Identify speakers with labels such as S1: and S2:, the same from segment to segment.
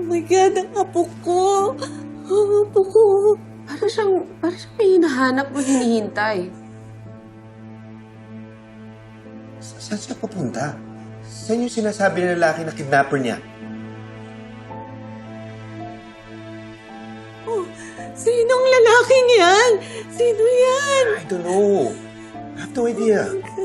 S1: my God, ang apo ko. Ang apo ko.
S2: Para siyang may hinahanap o hinihintay.
S3: Saan siya papunta? Saan yung sinasabi ng lalaki na kidnapper niya?
S1: Oh, sinong lalaking yan? Sino yan?
S3: I don't know. I have no idea.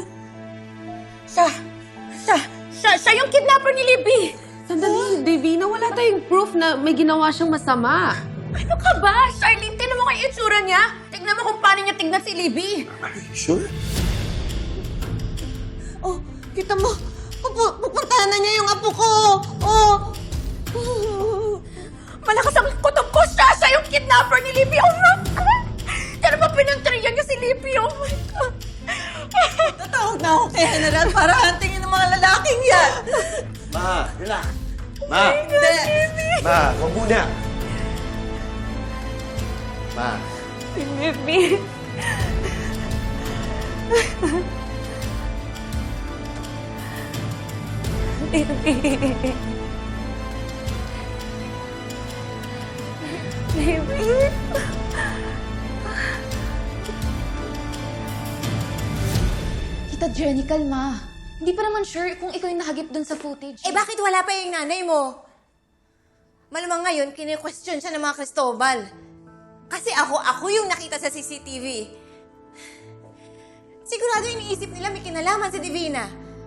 S4: Siya yung kidnapper ni Libby!
S2: Sandali, Davina, wala tayong proof na may ginawa siyang masama.
S4: Ano ka ba? Charlene, tignan mo kay itsura niya. Tignan mo kung paano niya tignan si Libby.
S3: Are you sure?
S1: Oh, kita mo. Pupuntahan na niya yung apo ko. Oh.
S4: Malakas ang kutob ko siya! Siya yung kidnapper ni Libby! Oh my God! Pero ba pinantriyan niya si Libby? Oh my God!
S1: Tatawag na ako kay General para hantingin ng mga lalaking yan.
S3: Ma, relax. Ma! Ma, wag muna. Ma.
S4: Si Libby. Libby. Libby.
S5: Tita Jenny, kalma. Hindi pa naman sure kung ikaw yung nahagip dun sa footage.
S6: Eh bakit wala pa yung nanay mo? Malamang ngayon, kine-question siya ng mga Cristobal. Kasi ako yung nakita sa CCTV. Sigurado iniisip nila may kinalaman si Divina.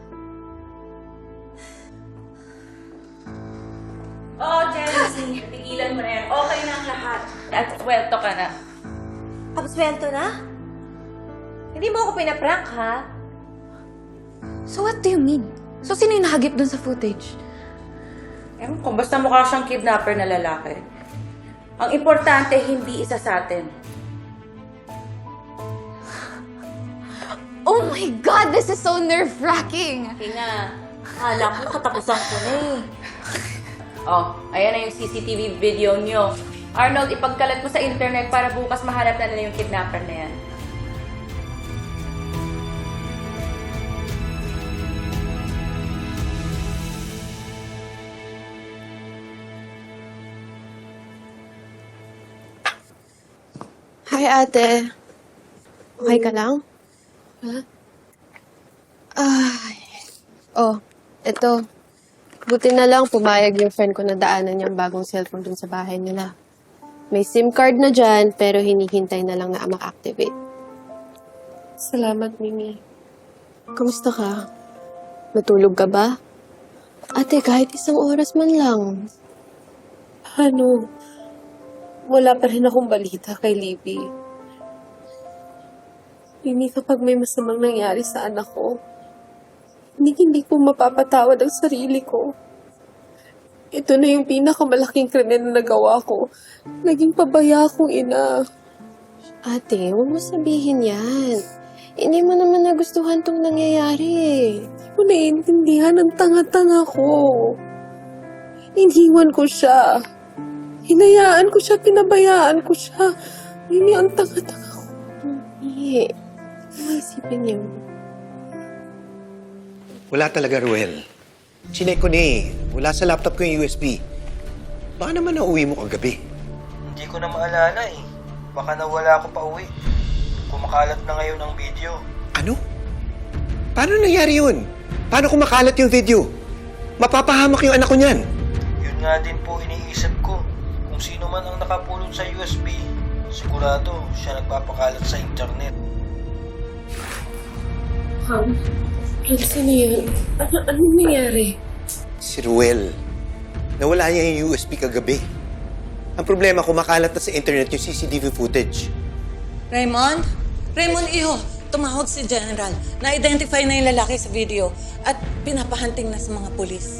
S4: Oo, Jenny. Tigilan mo na yan. Okay na ang lahat. At swelto ka na.
S6: Absuelto na? Hindi mo ako pinaprank, ha?
S5: So what do you mean? So sino yung nahagip dun sa footage?
S4: Ewan ko, basta mukha siyang kidnapper na lalaki. Ang importante, hindi isa sa atin.
S5: Oh my God! This is so nerve-wracking!
S4: Ina, alam ko katapusan ko na eh. Oh, ayan na yung CCTV video nyo. Arnold, ipagkalat mo sa internet para bukas mahanap na nila yung kidnapper na yan.
S2: Hi, ate. Okay ka lang? Ha? Ay. Oh, eto. Buti na lang pumayag yung friend ko na daanan niyang bagong cellphone dun sa bahay nila. May SIM card na dyan, pero hinihintay na lang na ma-activate. Salamat, Mimi. Kamusta ka? Matulog ka ba? Ate, kahit isang oras man lang. Ano? Wala pa rin akong balita kay Libby. Mimi, kapag may masamang nangyari sa anak ko, hindi ko mapapatawad ang sarili ko. Ito na yung pinakamalaking krimen na nagawa ko. Naging pabaya akong ina. Ate, huwag mo sabihin yan. Hindi mo naman nagustuhan tong nangyayari eh. Hindi mo naiintindihan ang tanga-tanga ko. Iniwan ko siya. Hinayaan ko siya, pinabayaan ko siya. Mimi, ang tanga-tanga ko. Hindi. Maisipin niyo.
S3: Wala talaga, Ruel. Chinek ko na eh. Wala sa laptop ko yung USB. Baka naman nauwi mo kagabi.
S7: Hindi ko na maalala eh. Baka nawala ako pa uwi. Kumakalat na ngayon ang video.
S3: Ano? Paano nangyari yun? Paano kumakalat yung video? Mapapahamak yung anak ko niyan.
S7: Yun nga din po iniisip ko. Kung sino man ang nakapulot sa USB, sigurado siya nagpapakalat sa internet.
S2: Sino yun? Anong nangyari?
S3: Si Ruel. Nawala niya yung USB kagabi. Ang problema, kumakalat na sa internet yung CCTV footage.
S1: Raymond? Raymond, iho. Tumawag si General. Na-identify na yung lalaki sa video at pinapahunting na sa mga pulis.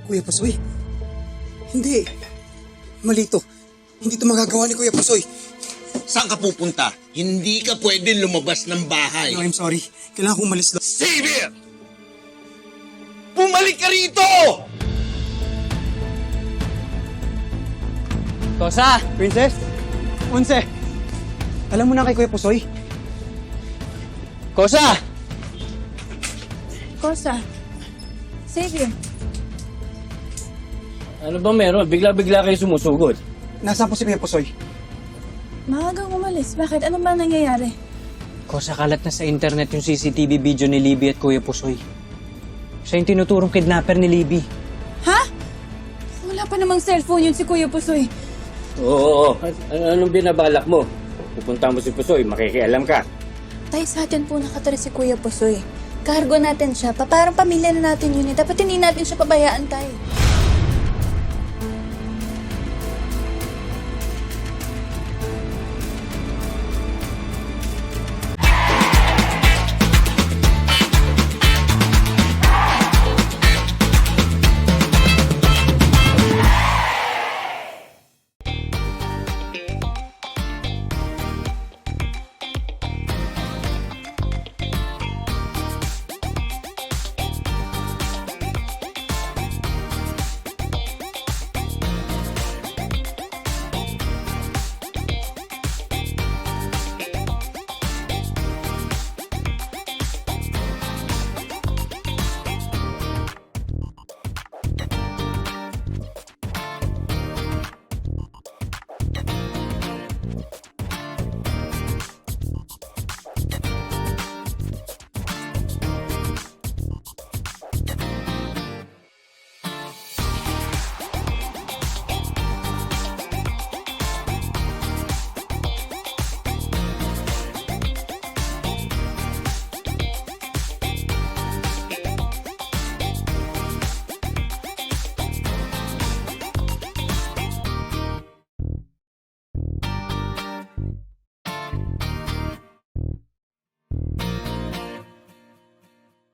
S8: Kuya Pusoy? Hindi. Mali to. Hindi to magagawa ni Kuya Pusoy.
S9: Saan ka pupunta? Hindi ka pwede lumabas ng bahay.
S8: No, I'm sorry. Kailangan kong umalis lang.
S9: Xavier! Bumalik ka rito!
S8: Tosa! Princess? Unse! Alam mo na kay Kuya Pusoy? Kosa!
S2: Kosa. Xavier.
S10: Ano ba meron? Bigla-bigla kayo sumusugod.
S8: Nasaan po si Kuya Pusoy?
S2: Maagang umalis. Bakit? Ano ba nangyayari?
S10: Kosa, kalat na sa internet yung CCTV video ni Libby at Kuya Pusoy. Siya yung tinuturong kidnapper ni Libby.
S2: Ha? Wala pa namang cellphone yun si Kuya Pusoy.
S10: Oo. Anong binabalak mo? Pupunta mo si Pusoy, makikialam ka.
S2: Tay, sa atin po nakatira si Kuya Pusoy. Cargo natin siya. Parang pamilya na natin yun eh. Dapat hindi natin siya pabayaan, tay.